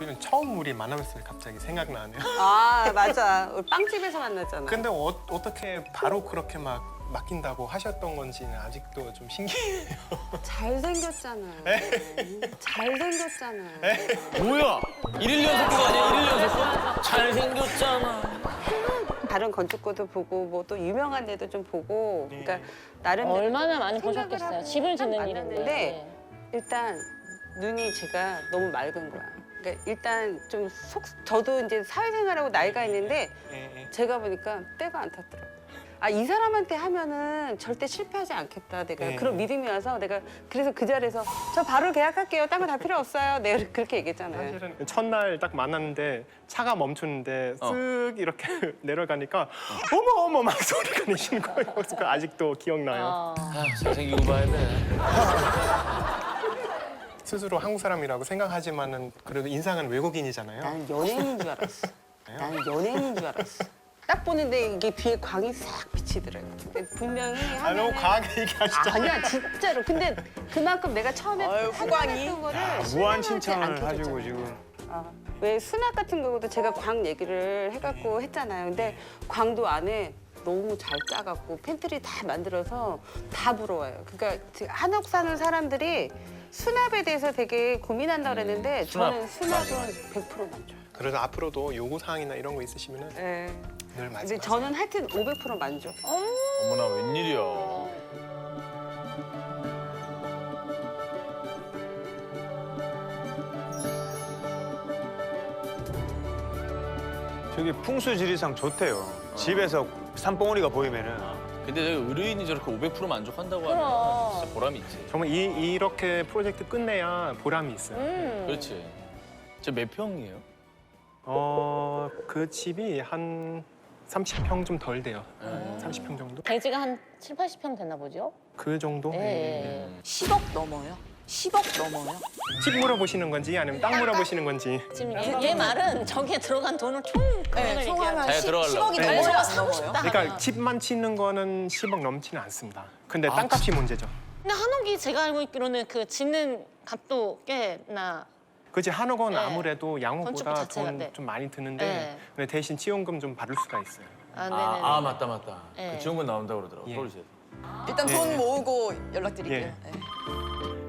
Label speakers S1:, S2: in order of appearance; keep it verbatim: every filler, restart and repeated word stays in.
S1: 그냥 처음 우리 만났을 때 갑자기 생각나네요.
S2: 아 맞아. 우리 빵집에서 만났잖아.
S1: 근데 어, 어떻게 바로 그렇게 막 맡긴다고 하셨던 건지는 아직도 좀 신기해요.
S2: 잘생겼잖아. 잘생겼잖아.
S3: 뭐야? 일일 연속도 아니야? 일일 연속도? 잘생겼잖아.
S2: 다른 건축구도 보고 뭐 또 유명한 데도 좀 보고 그러니까 나름
S4: 얼마나 많이 보셨겠어요. 집을 짓는
S2: 일인데
S4: 일인데.
S2: 일단 눈이 제가 너무 맑은 거야. 그러니까 일단 좀 속 저도 이제 사회생활하고 나이가 있는데
S1: 예, 예.
S2: 제가 보니까 때가 안 탔더라고. 아, 이 사람한테 하면은 절대 실패하지 않겠다. 내가
S1: 네.
S2: 그런 믿음이 와서 내가 그래서 그 자리에서 저 바로 계약할게요. 딴 거 다 필요 없어요. 내가 그렇게 얘기했잖아요.
S1: 사실은 첫날 딱 만났는데 차가 멈추는데
S3: 어.
S1: 쓱 이렇게 내려가니까 어머 어머 막 소리가 내시는 거예요. 그래서 그 아직도 기억나요.
S4: 어.
S3: 아, 잘생기고 봐야 돼.
S1: 스스로 한국 사람이라고 생각하지만은 그래도 인상은 외국인이잖아요.
S2: 나는 연예인인 줄 알았어. 나는 연예인인 줄 알았어. 딱 보는데 이게 뒤에 광이 싹 비치더라고. 근데 분명히
S1: 아 너무
S2: 하면은-
S1: 과하게 얘기하시죠.
S2: 아니야 진짜로. 근데 그만큼 내가 처음에
S5: 아유, 후광이.
S2: 판단했던 거를
S6: 무한
S2: 실망하지
S6: 칭찬을
S2: 않게
S6: 하시고
S2: 해줬잖아요.
S6: 지금.
S2: 아, 왜 수납 같은 경우도 제가 광 얘기를 해갖고 했잖아요. 근데 광도 안에 너무 잘 짜갖고 팬트리 다 만들어서 다 부러워요. 그러니까 한옥 사는 사람들이 수납에 대해서 되게 고민한다고 그랬는데
S3: 수납.
S2: 저는 수납은 백 퍼센트 만족.
S1: 그래서 앞으로도 요구 사항이나 이런 거 있으시면은
S2: 네.
S1: 늘
S2: 근데
S1: 말씀하세요.
S2: 저는 하여튼 오백 퍼센트 만족.
S3: 어머나, 웬일이야.
S6: 저기 풍수지리상 좋대요. 집에서 산봉우리가 보이면은
S3: 근데 저기 의뢰인이 저렇게 오백 퍼센트 만족한다고
S4: 그럼.
S3: 하면 진짜 보람이 있지.
S1: 정말 이, 이렇게 프로젝트 끝내야 보람이 있어요.
S4: 음.
S3: 그렇지. 저 몇 평이에요?
S1: 어, 그 집이 한 삼십 평 좀 덜 돼요.
S3: 음.
S1: 삼십 평 정도?
S4: 대지가 한 칠, 팔십 평 되나 보죠?
S1: 그 정도?
S4: 예.
S5: 십억 넘어요. 십억 넘어요.
S1: 집 물어보시는 건지 아니면 땅 물어보시는 건지.
S4: 지금 얘, 얘 말은 저기에 들어간 돈을 총 금액을
S5: 네, 총
S4: 얘기하는
S5: 하면
S3: 자기가
S5: 십-
S3: 들어가려고.
S5: 십억이
S1: 네.
S5: 넘어요,
S4: 저거
S5: 안
S4: 사고
S5: 넘어요?
S4: 싶다.
S1: 그러니까 집만 치는 거는 십억 넘지는 않습니다. 근데
S3: 아,
S1: 땅값이 문제죠.
S4: 근데 한옥이 제가 알고 있기로는 그 짓는 값도 꽤나
S1: 그지 한옥은
S4: 네.
S1: 아무래도 양호보다
S4: 건축비 자체가,
S1: 돈
S4: 네.
S1: 좀 많이 드는데
S4: 네.
S1: 근데 대신 지원금 좀 받을 수가 있어요.
S4: 아, 네네네.
S3: 아, 아 맞다, 맞다.
S4: 네.
S3: 그 지원금 나온다고 그러더라고,
S1: 예.
S3: 서울시에서.
S5: 일단
S1: 예,
S5: 돈
S1: 예.
S5: 모으고 연락드릴게요.
S1: 예.
S5: 네.